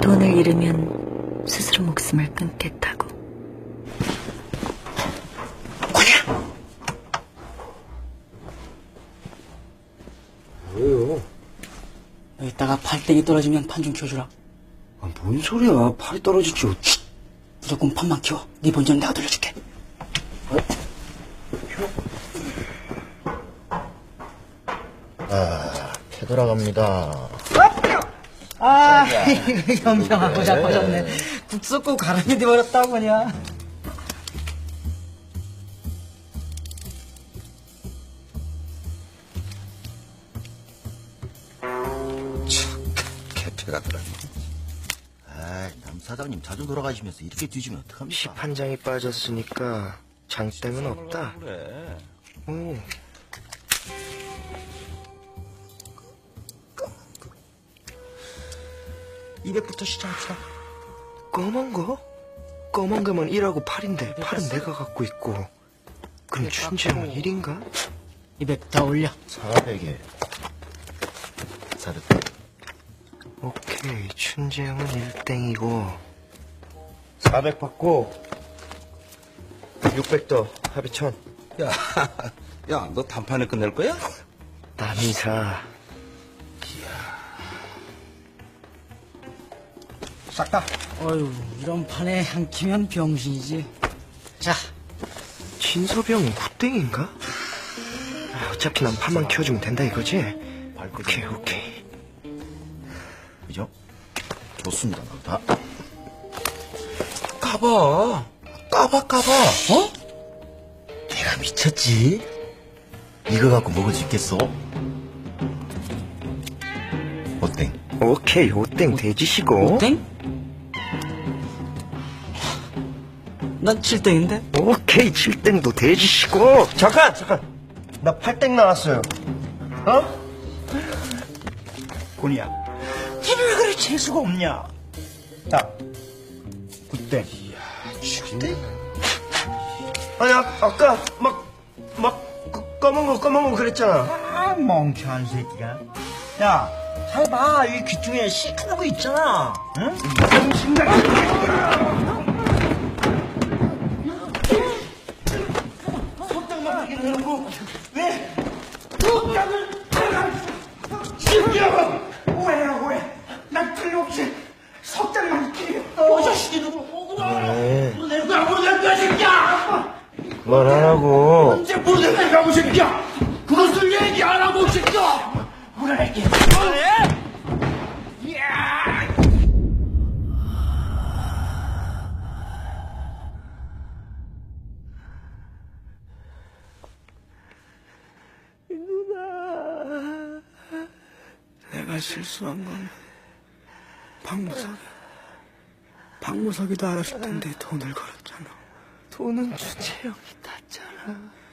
돈을 잃으면 스스로 목숨을 끊겠다고. 왜요? 여기다가 팔땡이 떨어지면 판 좀 키워주라. 아, 뭔 소리야. 팔이 떨어지지. 무조건 판만 키워. 네 본전은 내가 돌려줄게. 패 돌아갑니다. 이거 영평하고 자빠졌네. 국 쏟고 가랑이 돼버렸다고 그냥. 개패가 들어가네. 남 사장님 자주 돌아가시면서 이렇게 뒤지면 어떡합니까? 십 한 장이 빠졌으니까 장땡은 없다. 그래. 오, 200부터 시작합시다. 검은 거? 검은 거면 1하고 8인데 8은 내가 갖고 있고. 그럼 춘지형은 1인가? 200 더 올려. 400에 400. 오케이, 춘지형은 1땡이고 400 받고. 600 더 합의 1000. 야, 야, 너 단판에 끝낼 거야? 남이사. 싹 다. 어휴, 이런 판에 한 키면 병신이지. 자, 진섭이 형은 9땡인가? 어차피 난 판만 키워주면 된다 이거지? 오케이, 오케이. 그죠? 좋습니다. 다. 까봐. 까봐. 어? 내가 미쳤지? 이거 갖고 먹을 수 있겠어? 어땡? 오케이, 5땡 돼지시고. 땡? 난 7땡인데? 오케이, 7땡도 돼지시고. 잠깐! 나 8땡 나왔어요. 어? 곤이야. 니는 왜 그래 재수가 없냐? 야, 9땡. 아니, 아까 검은 거 그랬잖아. 아, 멍청한 새끼가. 야, 잘 봐. 이 귀퉁이에 시커먼 거 있잖아. 응? 속장만 하게 해놓고 왜? 속장을 시키라고! 왜? 난 틀림없이 속장만 키겠어. 이 자식이 누구? 내가 못할 거야, 새끼야! 말 안 하고. 언제 못할 거야, 새끼야! 그것을 얘기 안 하고, 새끼야! 물어낼게. 내가 실수한 건 박무석이도 알았을 텐데 돈을 걸었잖아. 돈은 주채형이 땄잖아.